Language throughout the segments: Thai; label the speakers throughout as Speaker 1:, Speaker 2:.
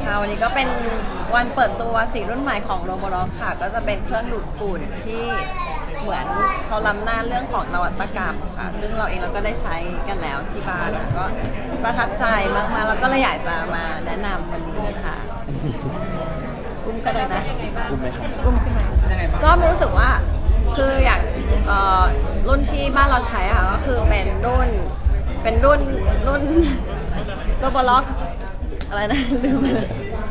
Speaker 1: ค่ะวันนี้ก็เป็นวันเปิดตัวสีรุ่นใหม่ของโรบอล็อกค่ะก็จะเป็นเครื่องดูดฝุ่นที่เหมือนเขาล้ำหน้าเรื่องของนวัตกรรมค่ะซึ่งเราเองเราก็ได้ใช้กันแล้วที่บ้านก็ประทับใจมากๆแล้วก็เลยอยากจะมาแนะนำวันนี้ค่ะอุ้มก็ได้นะ
Speaker 2: อุ้มไหมครับ
Speaker 1: อุ้มขึ้นมาก็รู้สึกว่าคืออยากรุ่นที่บ้านเราใช้ค่ะก็คือเป็นรุ่นโรบอล็อกอะไรนะลืมเลย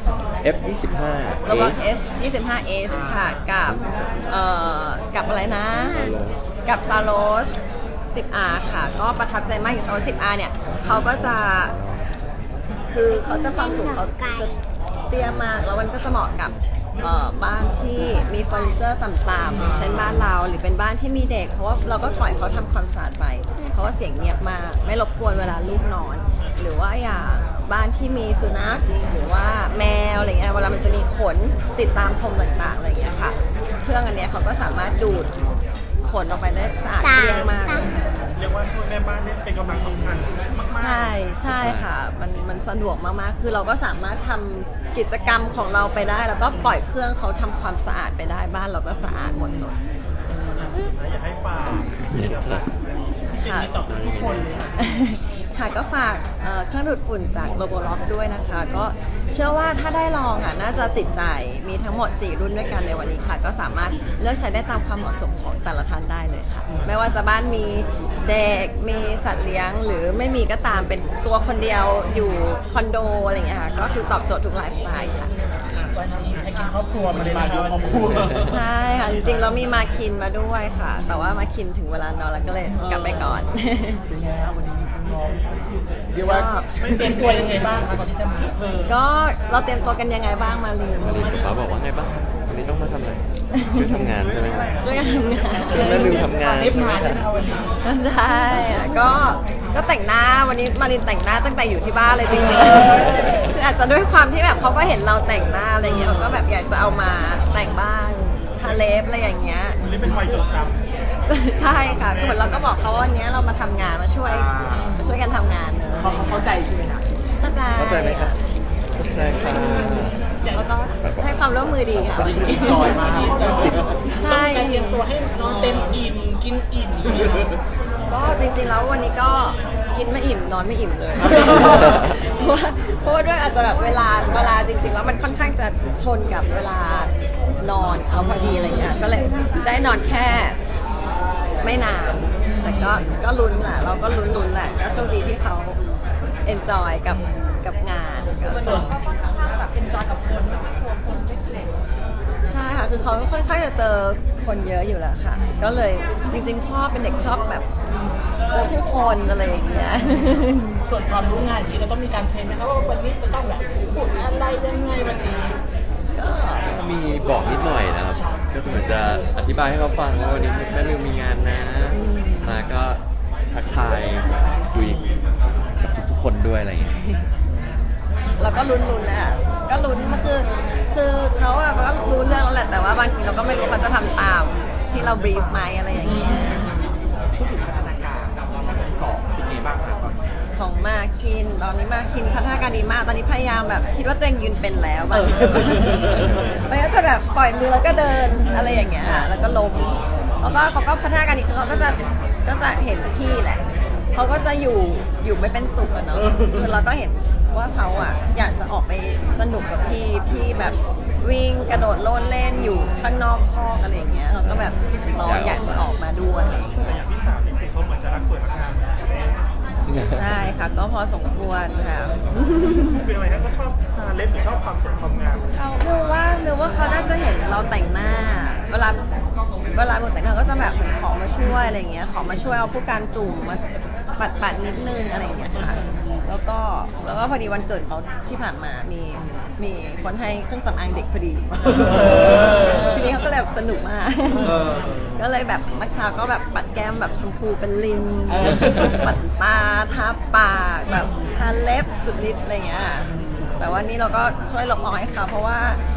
Speaker 2: F25
Speaker 1: โรบอท S 25S ค่ะกับอะไรนะกับ Saros 10R ค่ะก็ประทับใจมากอย่าง Saros 10R เนี่ยเขาก็จะคือเขาจะความสูงเขาจะเตี้ยมากแล้วมันก็จะเหมาะกับบ้านที่มีเฟอร์นิเจอร์ต่ำๆอย่างเช่นบ้านเราหรือเป็นบ้านที่มีเด็กเพราะว่าเราก็ปล่อยเขาทำความสะอาดไปเพราะว่าเสียงเงียบมากไม่รบกวนเวลาลูกนอนหรือว่าอย่างบ้านที่มีสุนัขหรือว่าแมวอะไรเงี้ยเวลามันจะมีขนติดตามพรมต่างๆอะไรเงี้ยค่ะเครื่องอันเนี้ยเขาก็สามารถดูดขนออกไปได้สะอาดเกลี้ยงมาก
Speaker 3: เรียกว่าช่วยแม่บ้านเนี่ยเป็นกำลังสำคัญมาก
Speaker 1: ๆใช่ค่ะมันสะดวกมากๆคือเราก็สามารถทำกิจกรรมของเราไปได้แล้วก็ปล่อยเครื่องเขาทำความสะอาดไปได้บ้านเราก็สะอาดหมดจด
Speaker 3: อยากให้ฝาก
Speaker 1: ค่ะ
Speaker 3: ทุกคนเลย
Speaker 1: ค่ะก็ฝากเครื่องดูดฝุ่นจากโรบอล็อกด้วยนะคะก็เชื่อว่าถ้าได้ลองอ่ะน่าจะติดใจมีทั้งหมด4รุ่นด้วยกันในวันนี้ค่ะก็สามารถเลือกใช้ได้ตามความเหมาะสมของแต่ละท่านได้เลยค่ะไม่ว่าจะบ้านมีเด็กมีสัตว์เลี้ยงหรือไม่มีก็ตามเป็นตัวคนเดียวอยู่คอนโดอะไรอย่างเงี้ยค่ะก็คือตอบโจทย์ทุกไลฟ์สไตล์ค่ะ
Speaker 3: วันนี้ให้กินครอบครัวมาเลยมาดูครอบครัว
Speaker 1: ใช่ค่ะจริงๆเรามีมาคินมาด้วยค่ะแต่ว่ามาคินถึงเวลานอนแล้วก็เลยกลับไปก่อน
Speaker 3: เป็นไงครับวันนี้น้องเดี๋ยวว่าเตรียมตัวยังไงบ้างคะก่อนที่จะมา
Speaker 1: ก็เราเตรียมตัวกันยังไงบ้างมาลีน
Speaker 2: ป้าบอกว่าไงบ้างวันนี้ต้องมาทำอะไรช่วยทำงานใช่ไหม
Speaker 1: ช่วยกันทำงาน
Speaker 2: แม่ลืมทำงาน
Speaker 3: รีบมาใช่ไหมวันนี้
Speaker 1: ใช่ก็แต่งหน้าวันนี้มารินแต่งหน้าตั้งแต่อยู่ที่บ้านเลยจริงๆคืออาจจะด้วยความที่แบบเขาก็เห็นเราแต่งหน้าอะไรเงี้ยเขาก็แบบอยากจะเอามาแต่งบ้างทาเล็บอะไรอย่างเงี้ย
Speaker 3: นี่เป็นวัยจดจ
Speaker 1: ำใช่ค่ะคือเหมือนเราก็บอกเขาว่าวันนี้เรามาทำงานมาช่วยกันทำงานเนอะ
Speaker 3: เขาเข้าใจใช่ไหมคะ
Speaker 1: เข้าใจ
Speaker 2: ไหมครับเข้าใจค่ะ
Speaker 1: แล้วก็ให้ความร่วมมือดีค่ะ
Speaker 3: จอยมา
Speaker 1: ใช่
Speaker 3: เตรียมตัวให้นอนเต็มอิ่มกินอิ่ม
Speaker 1: ก็จริงๆแล้ววันนี้ก็กินไม่อิ่มนอนไม่อิ่มเลยเพราะว่าด้วยอาจจะแบบเวลาจริงๆแล้วมันค่อนข้างจะชนกับเวลานอนเขาพอดีอะไรเงี้ยก็เลยได้นอนแค่ไม่นานแต่ก็ลุ้นแหละเราก็ลุ้นแหละก็โชคดีที่เขาเอนจอยกับงานก็แบบเอนจอยกับคนใช่ค่ะคือเขาค่อนข้างจะเจอคนเยอะอยู่แล้วค่ะก็เลยจริงๆชอบเป็นเด็กชอบแบบเจอผู้คนอะไรอย่างเงี้ย
Speaker 3: ส่วนความรู้งานอย่างนี้เราต้องมีการเทรนไหมครับว่าวันนี้จะต้องแบบพูดอะไรยังไงวันนี้
Speaker 2: ก็มีบอกนิดหน่อยนะครับก็เหมือนจะอธิบายให้เขาฟังว่าวันนี้แม่ลืมมีงานนะมาก็ทักทายคุยกับทุกคนด้วยอะไรอย่างเงี้ย
Speaker 1: เราก็ลุ้นแหละก็ลุ้นมาคือเขาอะก็รู้เรื่องแล้วแหละแต่ว่าบางทีเราก็ไม่รู้เขาจะทำตามที่เราบรีฟไหมอะไรอย่างเงี้ย
Speaker 3: พูดถึงพัฒนาการของสองเป็นไงบ้างครับ
Speaker 1: ของมาคินตอนนี้มาคินพัฒนาการดีมากตอนนี้พยายามแบบคิดว่าตัวเองยืนเป็นแล้วบางทีมันก็จะแบบปล่อยมือแล้วก็เดินอะไรอย่างเงี้ยแล้วก็ล้มแล้วก็เขาก็พัฒนาการดีเขาก็จะเห็นพี่แหละเขาก็จะอยู่ไม่เป็นสุขอะเนาะคือเราก็เห็นว่าเขาอะอยากจะออกไปสนุกกับพี่แบบวิ่งกระโดดโลดเล่นอยู่ข้างนอกคอกอะไรอย่างเงี้ยเราก็แบบเราอยากจะออกมาด้วย
Speaker 3: อย่างพี่สาวนี่คือเขาเหมือนจะรักสวยรักงาม
Speaker 1: ใช่ค่ะก็พอสมควรค่ะ
Speaker 3: เป็นอะไรครับก็ชอบทาเล็บหรือชอบความสวยความงาม
Speaker 1: เขาดูว่าเขาน่าจะเห็นเราแต่งหน้าเวลาเราแต่งหน้าก็จะแบบเหมือนขอมาช่วยอะไรเงี้ยขอมาช่วยเอาผู้การจุ่มมาปัดนิดนึงอะไรเงี้ยค่ะแล้วก็พอดีวันเกิดเขาที่ผ่านมามีคนให้เครื่องสำอางเด็กพอดีทีนี้เขาก็เลยแบบสนุกมากก็เลยแบบเมื่อเช้าก็แบบปัดแก้มแบบชมพูเป็นลิงปัดตาทาปากแบบทาเล็บสุดฤทธิ์อะไรเงี้ยแต่ว่านี่เราก็ช่วยลบออยค่ะเพราะว่า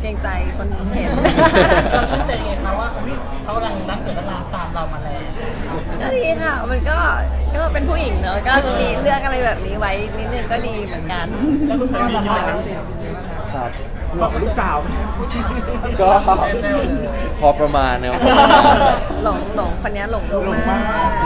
Speaker 1: เกรงใจคนเห็น
Speaker 3: เราชื่นใจไงคะว่าอุ๊ยเขากำลังรักเกิดรักตามเรามาแล้ว
Speaker 1: ก็ดีค่ะ มันก็เป็นผู้หญิงเนอะก็มีเรื่องอะไรแบบนี้ไว้นิดนึงก็ดีเหมือนกัน
Speaker 3: แล้วคุณพ่อล่ะคะ
Speaker 2: ครับ
Speaker 3: บอกกับลูกสาว
Speaker 2: ก็พอประมาณนะครับ
Speaker 1: หลงคนนี้หลงลูกมาก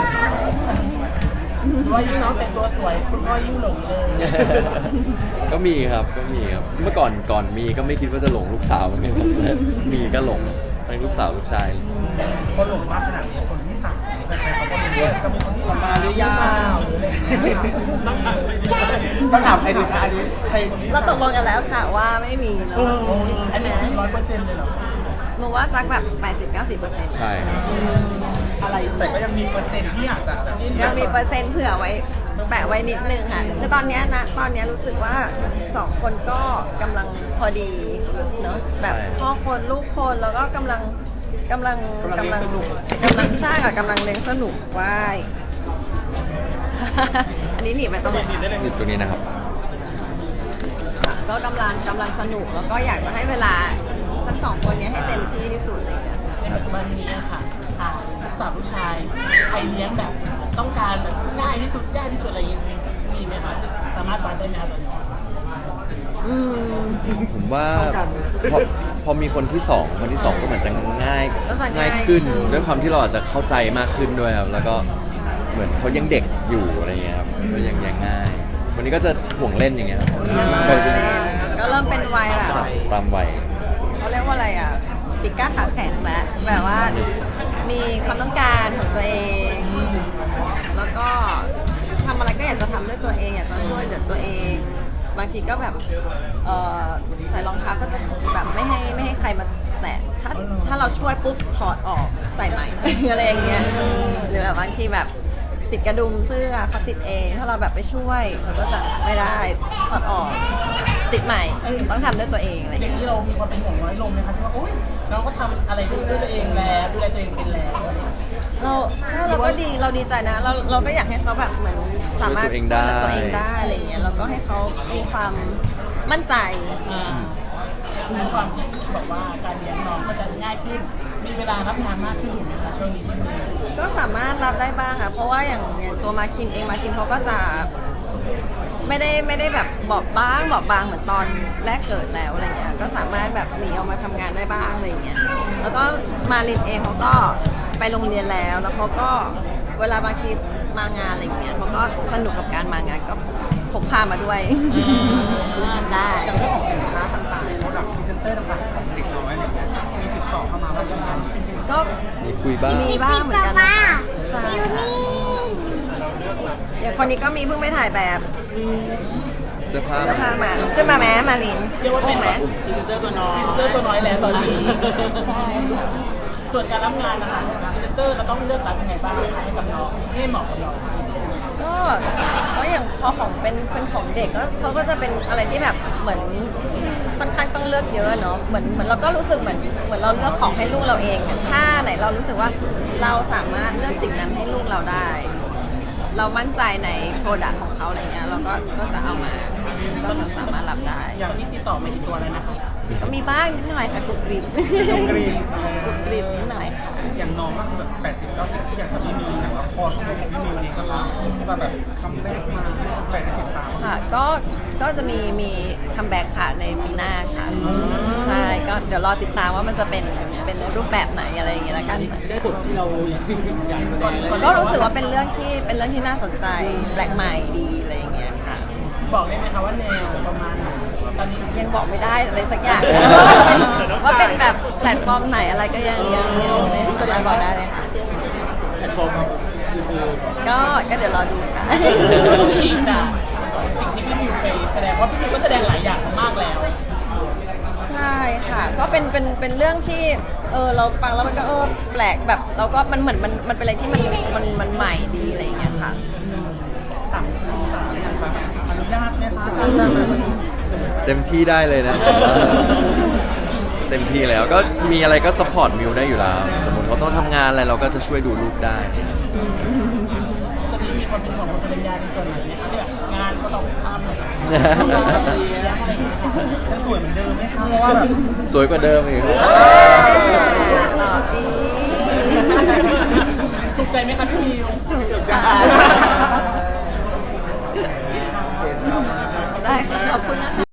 Speaker 3: ว่ายิ่งน้องแต่งตัวสวยคุณพ่อยิ่งหลงเลย
Speaker 2: ก็มีครับเมื่อก่อนมีก็ไม่คิดว่าจะหลงลูกสาวเหมือนกันแต่มีก็หลงทั้งลูกสาวลูกชาย
Speaker 3: คนหลงมากขนาดนี้คนที่สั่งแฟนๆเขาก็รู้ว่าจะมีคนที่สั่งมาหรือยังหรืออะไรอย่างเงี้ยต้องถามใครดีคะอันนี้ใคร
Speaker 1: เราตกลงกันแล้วค่ะว่าไม่มีเน
Speaker 3: เอ
Speaker 1: อะ
Speaker 3: ออันนี้100%เลยเหรอ
Speaker 1: หนูว่าสักแบบ 80-90%
Speaker 2: ใช่ครับ
Speaker 3: อะไรแต่ก็ยังมีเปอร์เซ็นต์ที่อาจจะ
Speaker 1: ยังมีเปอร์เซ็นต์เผื่อไว้แปะไว้นิดนึงค่ะคือตอนเนี้ยรู้สึกว่าสองคนก็กำลังพอดีเนาะแบบพ่อคนลูกคนแล้วก็กำลังใช่ค่ะกำลังเลี้ยงสนุกว่าย อันนี้หนีไปตรงไหน
Speaker 2: อยู่ตรงนี้นะครับ
Speaker 1: ก็กำลังสนุกแล้วก็อยากจะให้เวลาทั้งสองคนเนี้ยให้เต็มที่ที่สุดอะไรอย่างเลย
Speaker 3: ในปัจจุบันนี้อะค่ะลูกสาวลูกชายใครเลี้ยงแบบต้องการแบบง่ายที่สุดยากที่สุดอะไรอย่างงี้มีไหมคะสามารถวัดได้ไหมคะตอนนี้
Speaker 2: ผมว่าพอมีคนที่สองก็เหมือนจะง่าย
Speaker 1: ก็จะ
Speaker 2: ง่ายขึ้นด้วยความที่เราอาจจะเข้าใจมากขึ้นด้วยครับแล้วก็เหมือนเขายังเด็กอยู่อะไรเงี้ยครับก็ยังง่ายวันนี้ก็จะห่วงเล่นอย่างเงี้ยครับ
Speaker 1: ก็จะมาเล่นก็เริ่มเป็นวัยแบบ
Speaker 2: ตามวัย
Speaker 1: เขาเรียกว่าอะไรอ่ะติดก้าขาแข็งแล้วแบบว่ามีความต้องการของตัวเอง แล้วก็ทำอะไรก็อยากจะทำด้วยตัวเองอยากจะช่วยเหลือตัวเอง บางทีก็แบบใส่รองเท้าก็จะแบบไม่ให้ใครมาแตะถ้าเราช่วยปุ๊บถอดออกใส่ใหม่ อะไรอย่างเงี้ยหรือแบบบางทีแบบติดกระดุมเสื้อเขาติดเองถ้าเราแบบไปช่วยมันก็จะไม่ได้ถอดออกติดใหม่ต้องทำด้วยตัวเองอะไรอ
Speaker 3: อย่า
Speaker 1: ย่าง ง
Speaker 3: นี้
Speaker 1: เงี้ย
Speaker 3: เรามีความเป็นห่วงน้อยลงไหมคะที่ว่าโอ๊ยน้องก็ทำอะไรด้วยตัวเองแล้วดูแลตัวเองเป็นแล้ว
Speaker 1: เราก็ดีเราดีใจนะเราก็อยากให้เขาแบบเหมือนสามารถช่วยเหลือตัวเองได้อะไรเงี้ยเราก็ให้เขามีความมั่นใจ
Speaker 3: ในความที่บอกว่าการเลี้ยงน้องก็จะง่ายขึ้นมีเวลารับงานมากขึ้นถูกไหมคะช่วงนี้
Speaker 1: ก็สามารถรับได้บ้างค่ะเพราะว่าอย่างตัวมาคินเองมาคินเขาก็จะไม่ได้แบบบอบบางเหมือนตอนแรกเกิดแล้วอะไรเงี้ยก็สามารถแบบหนีออกมาทำงานได้บ้างอะไรเงี้ยแล้วก็มาลินเองเขาก็ไปโรงเรียนแล้วเขาก็เวลาบางทีมางานอะไรเงี้ยเขาก็สนุกกับการมางานก็พกพามาด้วยได้
Speaker 3: จากเรื่องของสินค้าต่างๆโปรดักต์พรีเซนเตอร์ต่างๆของเด็กน้อยอะไรเงี้ยมีติดต่อเข้ามาบ้างไหมคะ
Speaker 1: ก็
Speaker 2: มีคุยบ้าง
Speaker 1: มีบ้างเหมือนกันนะคะใช่ค่ะอย่างคนนี้ก็มีเพิ่งไปถ่ายแบบ
Speaker 2: เสื้อผ้า
Speaker 1: เสื้อผ้ามาขึ้นมาแม้มาลิน
Speaker 3: เรียกว่าเป็น
Speaker 1: ไหม
Speaker 3: พรีเซนเตอร์ตัวน้อยแล้วตอนนี้ส่วนการรับงานนะคะพรีเซนเตอร์เราต้องเลือกรับยังไงบ้างคะให้กับน้องให้เหมาะกับน้อง
Speaker 1: ก็อย่างพอของเป็นของเด็กก็เขาก็จะเป็นอะไรที่แบบเหมือนค่อนข้างต้องเลือกเยอะเนาะเหมือนเราก็รู้สึกเหมือนเราเลือกของให้ลูกเราเองอะถ้าไหนเรารู้สึกว่าเราสามารถเลือกสิ่งนั้นให้ลูกเราได้ เรามั่นใจในโปรดักต์ของเขาอะไรเงี้ยเราก็จะเอามาก็จะสามารถรับได้
Speaker 3: อย่างนี้ติดต่อมากี่ตัวเลยนะคะ
Speaker 1: ก็มีบ้างนิดหน่อยค่ะกรุบกริบ
Speaker 3: กรุบกริบ
Speaker 1: กรุบกริบนิดหน่อย
Speaker 3: อย่างน้องก็คือแบบ80-90ที่อยากจะไม่มีอย่างละครของพี่มิวเองนะคะจะแบบทำแรกมาแฟนติดตาม
Speaker 1: ค่ะก็จะมีคัมแบ็กค่ะในปีหน้าค่ะใช่ก็เดี๋ยวรอติดตามว่ามันจะเป็นในรูปแบบไหนอะไรอย่างเงี้ยละกัน
Speaker 3: ได้บทที่เราอยากแสดงเลย
Speaker 1: ก็รู้สึกว่าเป็นเรื่องที่น่าสนใจแปลกใหม่ดีอะไรอย่างเงี้ยค่ะ
Speaker 3: บอกได้ไหมคะว่าแนวประมาณไหนตอนนี้
Speaker 1: ยังบอกไม่ได้อะไรสักอย่าง ว่าเป็นแบบแพลตฟอร์มไหนอะไรก็ยังไม่สามารถบอกได้เลยค่ะ
Speaker 3: แพลตฟอร์มคือ
Speaker 1: ก็เดี๋ยวรอดูค่ะ
Speaker 3: ฉีกจากสิ่งที่พี่มิวเคยแสดงว่าพี่มิวก็แสดงหลายอย่างมากแล้ว
Speaker 1: ใช่ค่ะ ก็เป็นเรื่องที่เราฟังแล้วมันก็แปลกแบบเราก็มันเหมือนมันเป็นอะไรที่มันใหม่ดีอะไรอย่างเงี้ยค่ะ
Speaker 3: ต่างสาเลยค่ะอนุญาตไหมคะ
Speaker 2: เต็มที่ได้เลยนะ เต็มที่แล้วก็มีอะไรก็สปอร์ตมิวได้อยู่แล้ว สมมติเขาต้องทำงานอะไรเราก็จะช่วยดูลูกได้
Speaker 3: ตอนนี้มีความเป็นห่วงคนภรรยาในส่วนไหนไหมคะที่แบบงานก็ต้องทำเลี้ยงอะไรอย่างเงี้ยยังสวยเหมือนเดิมไหมคะเพราะว่าแบบ
Speaker 2: สวยกว่าเดิมอีกครับ
Speaker 1: ตอบดี
Speaker 3: ถูกใจไหมคะพี่มิว
Speaker 1: ถูกใจ